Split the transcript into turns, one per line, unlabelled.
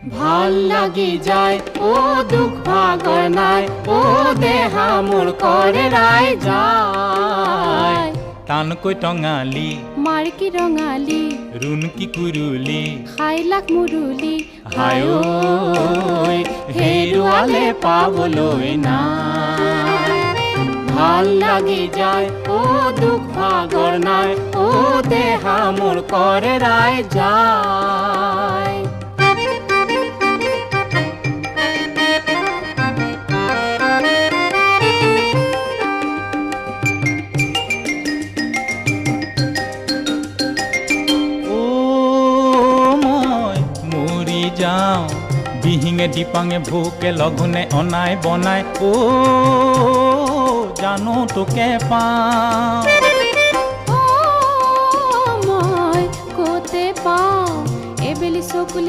ভাল লাগি যায় ও দুখ ভাগৰ নাই ও দেহা মোৰ কৰে ৰাই যায়
টানকৈ টঙালি
মাৰ্কি ৰঙালী
ৰুণকি কুৰুলি
খাই লাখ মুৰুলি
হায় ঐ হেৰুৱালে পাবলৈ নাই
ভাল লাগি যায় ও দুখ ভাগৰ নাই ও দেহা মোৰ কৰে ৰাই যায়
যাওঁ বিহিঙে দিপাঙে ভোকে লঘোণে অনাই বনাই ও জানো তোকে পাওঁ
মই ক'তে পাওঁ এবেলি চকুলে